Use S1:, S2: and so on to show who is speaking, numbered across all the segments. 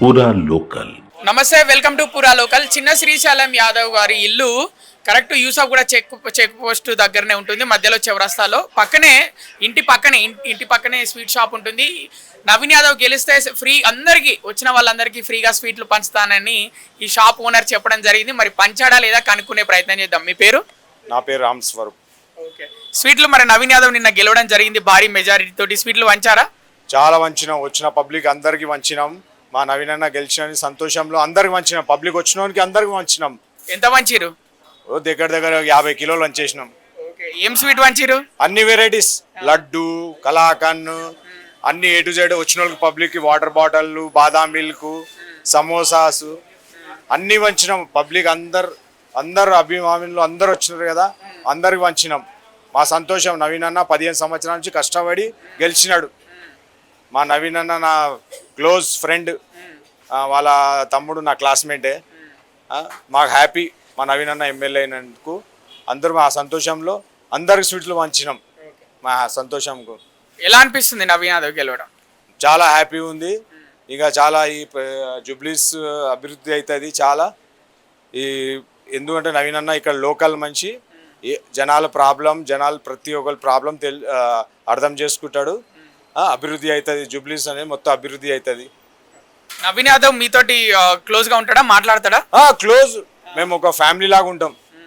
S1: పూరా లోకల్.
S2: నమస్తే, welcome to పూరా లోకల్. చిన్న శ్రీశైలం యాదవ్ గారి ఇల్లు కరెక్ట్ యూసఫ్ కూడా చెక్ పోస్ట్ దగ్గరనే ఉంటుంది, మధ్యలో చౌరస్తాలో. ఇంటి పక్కనే స్వీట్ షాప్ ఉంటుంది. నవీన్ యాదవ్ గెలిస్తే ఫ్రీ అందరికీ వచ్చిన వాళ్ళందరికీ ఫ్రీగా స్వీట్లు పంచుతానని ఈ షాప్ ఓనర్ చెప్పడం జరిగింది. మరి పంచాడా లేదా కనుక్కునే ప్రయత్నం చేద్దాం. మీ పేరు?
S3: నా పేరు రామ్ స్వరూప్.
S2: ఓకే. స్వీట్లు మరి నవీన్ యాదవ్ నిన్న గెలవడం జరిగింది భారీ మెజారిటీ తోటి. స్వీట్లు వంచారా?
S3: చాలా వంచినాం, వచ్చిన పబ్లిక్ అందరికి వంచినాం. మా నవీన్ అన్న గెలిచిన సంతోషంలో అందరికి వంచినాం. పబ్లిక్ వచ్చినోనికి అందరికి వంచినాం.
S2: ఎంత వంచిరు?
S3: దగ్గర 50 కిలోలు వంచేసినాం.
S2: ఏం స్వీట్ వంచిరు?
S3: అన్ని వెరైటీస్, లడ్డు, కలాకన్, అన్ని A to Z. వచ్చిన వాళ్ళకి పబ్లిక్ వాటర్ బాటిల్, బాదాం మిల్క్, సమోసాస్ అన్ని వంచినాం. పబ్లిక్ అందరు అభిమానులు అందరు వచ్చినారు కదా, అందరికి వంచినాం. మా సంతోషం. నవీన్ అన్న 15 సంవత్సరాల నుంచి కష్టపడి గెలిచినాడు. మా నవీన్ అన్న నా క్లోజ్ ఫ్రెండ్, వాళ్ళ తమ్ముడు నా క్లాస్మేటే. మాకు హ్యాపీ మా నవీన్ అన్న ఎమ్మెల్యే అయినందుకు. అందరూ మా సంతోషంలో అందరికి స్వీట్లు వంచినాం. మా సంతోషంకు
S2: ఎలా అనిపిస్తుంది నవీన్ యాదవ్ గెలవడం?
S3: చాలా హ్యాపీ ఉంది. ఇక చాలా ఈ జూబ్లీస్ అభివృద్ధి అవుతుంది చాలా. ఎందుకంటే నవీన్ అన్న ఇక్కడ లోకల్ మంచి, జనాల ప్రతి ఒక్కరి ప్రాబ్లం అర్థం చేసుకుంటాడు. అభివృద్ధి అవుతుంది. జూబ్లీస్ అనేది మొత్తం అభివృద్ధి అవుతుంది.
S2: నవీన్ యాదవ్ మీతోటి క్లోజ్ గా ఉంటాడా, మాట్లాడతాడా?
S3: క్లోజ్. మేము ఒక ఫ్యామిలీ లాగా ఉంటాం.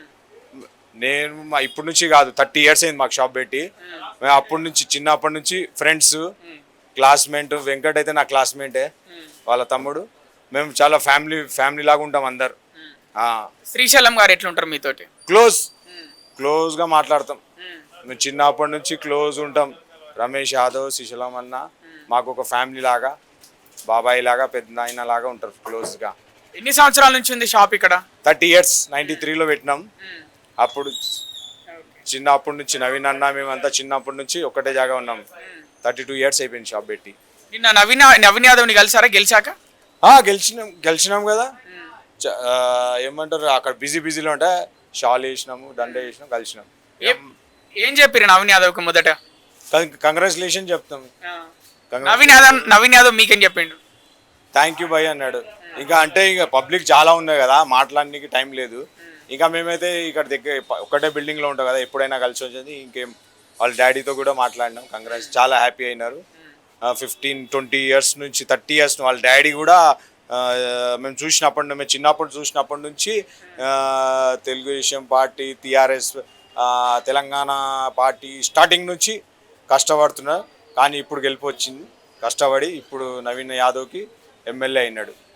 S3: నేను ఇప్పటి నుంచి కాదు, 30 years అయింది మాకు షాప్ పెట్టి. మేము చిన్నప్పటి నుంచి ఫ్రెండ్స్, క్లాస్మేట్. వెంకట్ అయితే నా క్లాస్మేటే, వాళ్ళ తమ్ముడు. మేము చాలా ఫ్యామిలీ లాగా ఉంటాం అందరు.
S2: శ్రీశైలం గారు ఎట్లుంటారు మీతోటి?
S3: క్లోజ్గా మాట్లాడతాం. మేము చిన్నప్పటి నుంచి క్లోజ్ ఉంటాం. రమేష్ యాదవ్, శ్రీశైలం అన్న మాకు ఒక ఫ్యామిలీ లాగా, బాబాయ్ లాగా, పెద్ద నాయన లాగా ఉంటారు క్లోజ్గా.
S2: ఎన్ని సంవత్సరాల నుంచి ఉంది షాప్ ఇక్కడ?
S3: 30 years. 93లో పెట్టినాం. అప్పుడు చిన్నప్పటి నుంచి నవీన్ అన్న మేమంతా చిన్నప్పటి నుంచి ఒకటే జాగా ఉన్నాం. 32 years అయిపోయింది షాప్ పెట్టి.
S2: నిన్న నవీన్ యాదవ్ని కలిసారా గెలిచాక?
S3: గెలిచినాం కదా. ఏమంటారు, అక్కడ బిజీలో ఉంటే షాల్ వేసినాము, దండ వేసినాం, కలిసినాం.
S2: ఏం చెప్పారు నవీన్ యాదవ్కి మొదట?
S3: కంగ్రాచులేషన్ చెప్తాం.
S2: నవీన్ యాదవ్ మీకేం చెప్పిండు?
S3: థ్యాంక్ యూ భయ్ అన్నాడు. ఇక పబ్లిక్ చాలా ఉన్నాయి కదా, మాట్లాడడానికి టైం లేదు. ఇంకా మేమైతే ఇక్కడ ఒకటే బిల్డింగ్లో ఉంటాం కదా, ఎప్పుడైనా కలిసి వచ్చేది. ఇంకేం వాళ్ళ డాడీతో కూడా మాట్లాడినాం. కంగ్రాట్స్, చాలా హ్యాపీ అయినారు. 15-20 years నుంచి 30 years వాళ్ళ డాడీ కూడా మేము చిన్నప్పుడు చూసినప్పటి నుంచి Telugu Desam party, TRS, Telangana party starting నుంచి కష్టపడుతున్నారు. కానీ ఇప్పుడు గెలిపి వచ్చింది కష్టపడి. ఇప్పుడు నవీన్ యాదవ్కి ఎమ్మెల్యే అయినాడు.